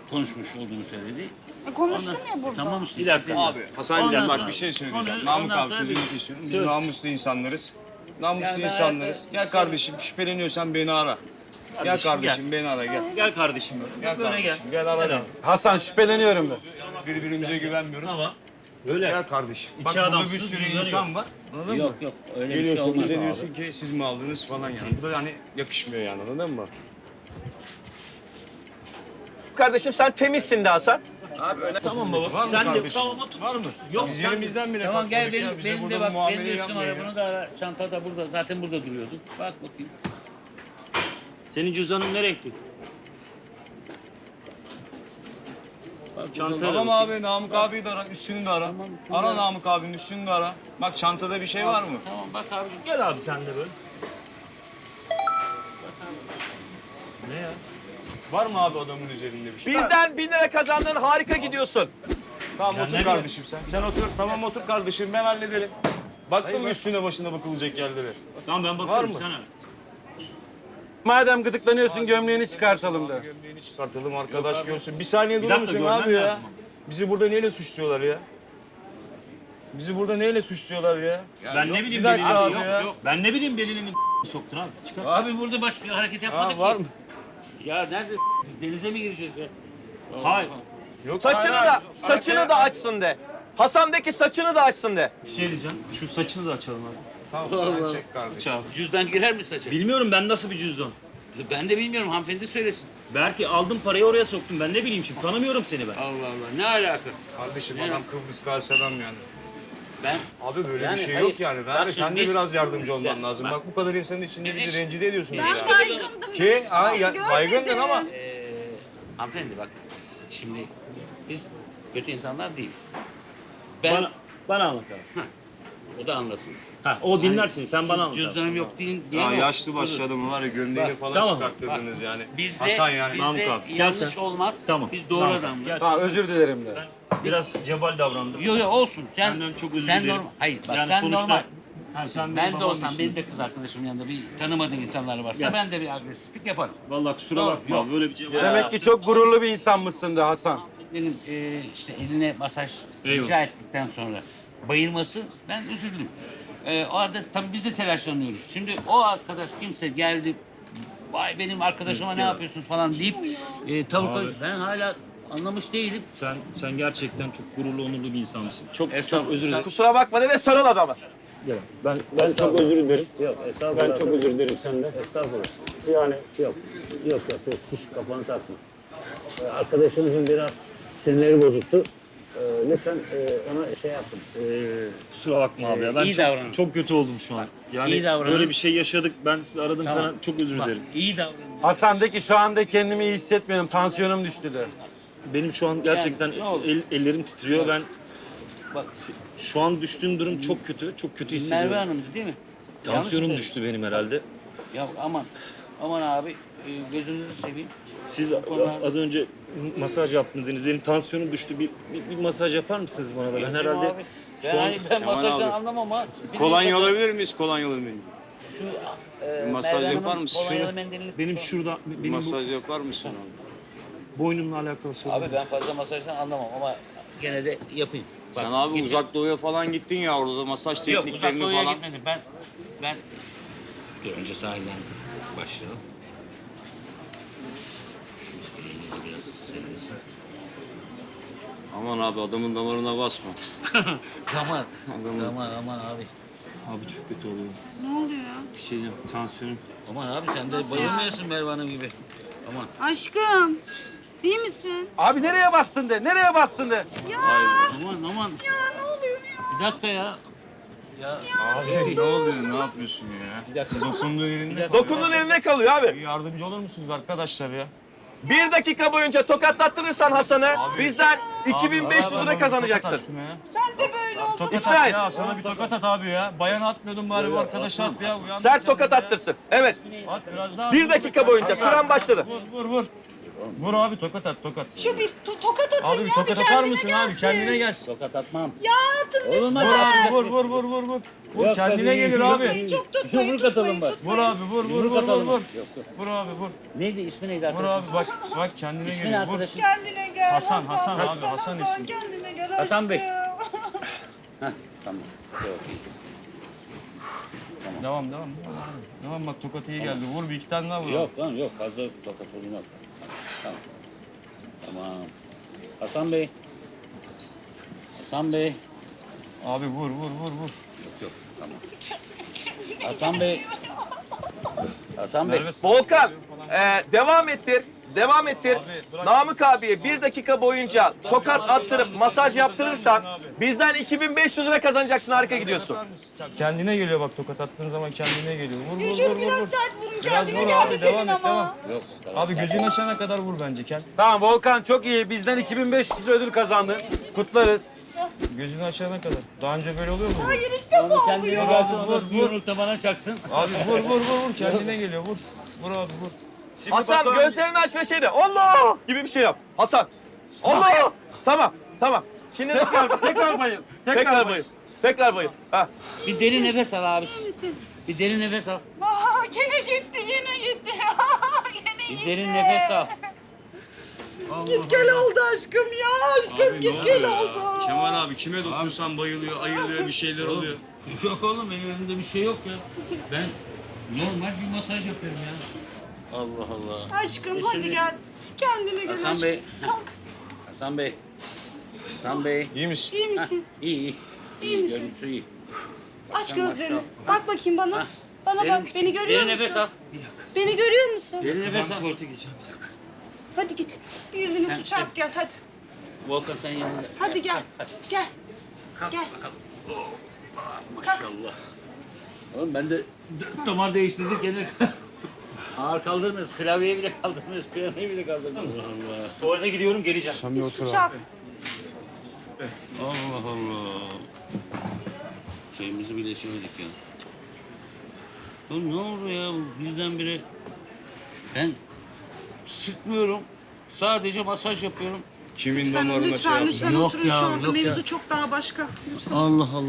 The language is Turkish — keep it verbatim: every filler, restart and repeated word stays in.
konuşmuş olduğunu söyledi. E, konuştum Ondan- ya burada. Tamam işte. Bir dakika işte. abi. Hasan'cığım Ondan bak sonra- bir şey söyleyeceğim. Onu- Namık ondan abi sonra sözünü bir- kesiyorum. Biz Söyle. namuslu insanlarız. Namuslu Yani ben insanlarız. hayatta- Gel kardeşim şüpheleniyorsan beni ara. Gel Kardeşim, kardeşim beni ara gel. Gel kardeşim. Gel Böyle kardeşim gel. gel ara beni. Hasan şüpheleniyorum ben. Birbirimize güvenmiyoruz. Ama böyle. Gel kardeşim. Bak İki burada bir adamsınız, sürü cüzdanı insan yok. var. Anladın mı? Yok yok öyle bir şey Geliyorsun olmaz. bize diyorsun ki siz mi aldınız falan yani. Bu da hani yakışmıyor yani anladın mı? Kardeşim sen temizsin de Hasan. Abi öyle Tamam baba. Var mı Sen de kardeşim? tamam otur. Var mı? Yok Biz sen yerimizden bile Tamam gel kalkmadık ya. benim, Bize benim burada de bu bak benim muameleyi de üstüm yapmayın var. ya. Bunu da ara. Çantada burada zaten burada duruyordu. Bak bakayım. senin cüzdanın ne renkli? Bak, Çanta- burada- Tamam abi Namık abiyi de ara, üstünü de ara. Tamam, üstünü Ara de ara. Namık abinin üstünü de ara. Bak çantada bir şey var mı? Tamam bak abicim. Gel abi sen de böyle. Ne ya? Var mı abi adamın üzerinde bir şey? Bizden bin lira kazandın, harika gidiyorsun. Tamam Ya otur ne kardeşim sen. Sen otur. Tamam otur kardeşim ben hallederim. Baktın mı üstüne başına bakılacak yerlere? Tamam ben Var bakıyorum mı? sana. Madem gıdıklanıyorsun gömleğini çıkartalım da. Gömleğini çıkartalım arkadaş görsün. Bir saniye Bir durur dakika, musun görmem abi ya? lazım ama. Bizi burada neyle suçluyorlar ya? Bizi burada neyle suçluyorlar ya? Ben ne bileyim bir dakika belini abi yok, ya. yok. Ben ne bileyim belini mi soktun abi? Çıkar. Abi burada başka hareket yapmadık Ha, var ki. mı? Ya nerede denize mi gireceğiz ya? Hayır. Yok. Saçını hayır, da, hayır. saçını da açsın de. Hasan'daki saçını da açsın de. Bir şey diyeceğim. Şu saçını da açalım abi. Tamam sen çek kardeşim. Aç abi. Cüzdan girer mi saça? Bilmiyorum ben nasıl bir cüzdan. Ben de bilmiyorum hanımefendi söylesin. Belki aldım parayı oraya soktum. Ben ne bileyim şimdi. Tanımıyorum seni ben. Allah Allah ne alaka? Kardeşim adam Kıbrıs Kars adam yani. Ben Abi böyle Yani bir şey hayır. yok yani. Ben Bak de sen şimdi de biz- biraz yardımcı olman Ya, lazım. bak. Bak bu kadar insanın içinde Biz bizi hiç- rencide ediyorsunuz Ben ya. Baygındım. Ki ha ya, Görmedim. baygındın ama Ee, hanımefendi bak şimdi biz kötü insanlar değiliz. Ben Bana, bana anlat abi. o da anlasın. Ha, o dinlersin. Sen bana anlat abi. Cüzdanım yok değil diye ya mi? yaşlı başlı adamı var ya gömleğini falan tamam. çıkarttırdınız yani. Bizde, Hasan yani. bizde Namık abi, gel yanlış sen. olmaz. Tamam. Biz doğru Namık abi, adamız. gel. Ha, özür dilerim de. Biraz cebal davrandım. Yok yok olsun. Sen, Senden çok özür sen dilerim. normal. Hayır bak Yani sen sonuçta- normal. Ha, sen benim Ben de babam olsam benim de değilsin. kız arkadaşımın yanında bir tanımadığım insanlar varsa Gel. ben de bir agresiflik yaparım. Vallahi kusura Yok, bakma. yok. Böyle bir cevap. Demek ki çok gururlu bir insanmışsın da Hasan. Benim e, işte eline masaj Eyvallah. rica ettikten sonra bayılması ben üzüldüm. E, o arada tabii biz de telaşlanıyoruz. Şimdi o arkadaş kimse geldi vay benim arkadaşıma ne yapıyorsunuz falan deyip e, tavuk Abi. acı- ben hala anlamış değilim. Sen sen gerçekten çok gururlu, onurlu bir insansın. Çok Estağfurullah. çok özür dilerim. Kusura bakma de ve sarıl adamı. Ben ben çok özür dilerim. Yok, estağfurullah. Ben çok özür dilerim senden. Estağfurullah. Yani yok. Yok yok yok. Hiç kafanı takma. Ee, arkadaşınızın biraz sinirleri bozuktu. Ee, lütfen e, ona şey yapın. Ee, Kusura bakma abi ya. Ben iyi çok, davranın. çok kötü oldum şu an. Yani İyi davranın. böyle bir şey yaşadık. Ben sizi aradım Tamam. falan. Çok özür Bak, dilerim. iyi davranın. Hasan de ki şu anda kendimi iyi hissetmiyorum. Tansiyonum düştü de. Benim şu an gerçekten Yani ne olur. el- ellerim titriyor. Ben Bak şu an düştüğüm durum çok kötü. Çok kötü hissediyorum. Merve Hanım'dı değil mi? Yanlış mı Tansiyonum söyledim? düştü benim herhalde. Ya aman aman abi e, gözünüzü seveyim. Siz az önce masaj yaptınız dediniz. Benim tansiyonum düştü. Bir, bir, bir masaj yapar mısınız bana da? Ben herhalde Abi, ben, şu an hani ben Kemal masajdan abi. anlamam ha. Bir Kolonya dakika, alabilir miyiz? Kolonya alabilir miyiz? Şu e, Masaj Merve yapar Hanım'ın mısın? kolonyalı Şöyle. mendilini- benim şurada benim Masaj yapar mısın abi? bu boynumla alakalı sorun. Abi ben fazla masajdan anlamam ama gene de yapayım. Bak, Sen abi gittim. uzak doğuya falan gittin ya orada da masaj Yok uzak tekniklerini doğuya falan. gitmedim. Ben ben Dur, önce sahilden başlayalım. Şu elinizi biraz serilsin. Aman abi adamın damarına basma. Damar. Adamın- Damar aman abi. Abi çok kötü oluyor. Ne oluyor? Bir şey diyeceğim. Tansiyonum. Aman abi sen de bayılmıyorsun Merve Hanım gibi. Aman. Aşkım. İyi misin? Abi nereye bastın de? Nereye bastın de? Aman aman. Ya ne oluyor ya? Bir dakika ya. Ya Abi ne oluyor? Ne yapıyorsun ya? bir dakika. Dokunduğu yerinde Dokunduğun eline kalıyor abi. yardımcı olur musunuz arkadaşlar ya? Bir dakika boyunca tokatlattırırsan Hasan'ı bizden iki bin beş yüz lira kazanacaksın. Ben de böyle oldum. Tokat İkna at et. ya, sana bir tokat at abi ya. Bayana atmıyordun bari bu arkadaşa at ya. Uyan Sert sen tokat ya. attırsın. Evet. At biraz daha. Bir dakika boyunca süren başladı. Vur vur vur. Vur abi tokat at tokat. Şu bir to- tokat atın Abi ya bir bir tokat atar kendine mısın gelsin. abi? Kendine gelsin. Tokat atmam. Ya atın Oğlum lütfen. Vur hadi. abi vur vur vur vur vur. Vur Yok, kendine tabii. gelir Yok, abi. Çok tutmayın, Yumruk tutmayın, atalım bak. Vur tutmayın. abi vur vur Yumruk vur vur atalım. vur. Yok, yok. Vur abi vur. Neydi ismi neydi Vur arkadaşın? abi bak bak kendine İsmi ne geliyor. Vur. arkadaşın? Kendine gel. Hasan, Hasan abi, Hasan ismi. Kendine gel Hasan Bey. aşkım. Heh, tamam. Yok, iyi. Devam devam. Devam, devam bak tokat iyi geldi. Vur bir iki tane daha vur. Yok lan yok fazla tokat olmaz. Tamam. Tamam. Hasan Bey. Hasan Bey. Abi vur vur vur vur. Yok yok tamam. Hasan Bey. Hasan Bey. Merve Volkan, e, devam ettir. Devam ettir. bırak. Namık abiye bir dakika boyunca tokat attırıp masaj yaptırırsan bizden iki bin beş yüz lira kazanacaksın. Harika gidiyorsun. Kendine geliyor bak tokat attığın zaman kendine geliyor. Vur vur vur Şöyle vur. biraz vur. sert vurun Biraz kendine vur geldi abi devam demin et ama. devam. Yok. Tamam. Abi gözünü açana kadar vur bence Ken. Tamam Volkan çok iyi. Bizden iki bin beş yüz lira ödül kazandın. Kutlarız. Gözünü açana kadar. Daha önce böyle oluyor mu? Hayır ilk defa Onu kendine oluyor. gelsin, Vur, o da vur. bir yumruk da bana çaksın. Abi vur vur vur vur kendine geliyor vur. Vur abi vur. Şimdi Hasan Batuhan- gözlerini aç ve şey de Allah gibi bir şey yap. Hasan. Allah. Tamam tamam. Şimdi de Tekrar, tekrar bayıl. Tekrar, tekrar bayıl. bayıl. Tekrar bayıl. Ha. Bir derin nefes al abi. Misin? Bir derin nefes al. Aa, gene gitti yine gitti. Gene Bir gitti. derin nefes al. Git gel oldu aşkım ya aşkım git gel oldu. Kemal abi kime dokunsan bayılıyor, ayılıyor, bir şeyler oluyor. Yok oğlum benim elimde bir şey yok ya. Ben normal bir masaj yapıyorum ya. Allah Allah. Aşkım E hadi şimdi- gel. Kendine gel Hasan aşkım. Bey. Kalk. Hasan Bey. Hasan Bey. İyi misin? İyi misin? İyi iyi. İyi misin? Görüntüsü iyi. Aç Sen gözlerini. maşallah. Bak bakayım bana. Hah. Bana bak. Derin- Beni görüyor derin musun? nefes al. Beni görüyor musun? Derin nefes al. Hadi git. Bir yüzünü Hem- su çarp gel hadi. Volkan sen yanında. Hadi gel. Gel. Kalk Gel. bakalım. Hoppa, maşallah. Oğlum ben de dört damar değiştirdik gene. Ağır kaldırmıyoruz. Klavyeyi bile kaldırmıyoruz. Klavyeyi bile kaldırmıyoruz. Allah. Tuvalete gidiyorum geleceğim. Bir su çarp. Allah Allah. Şeyimizi bile içemedik ya. Oğlum ne oldu ya bu birdenbire? Ben sıkmıyorum. Sadece masaj yapıyorum. Kimin Lütfen, damarına şey lütfen, yaptın? lütfen Yok oturun ya, şu anda. yok ya. Mevzu çok daha başka. Allah Allah.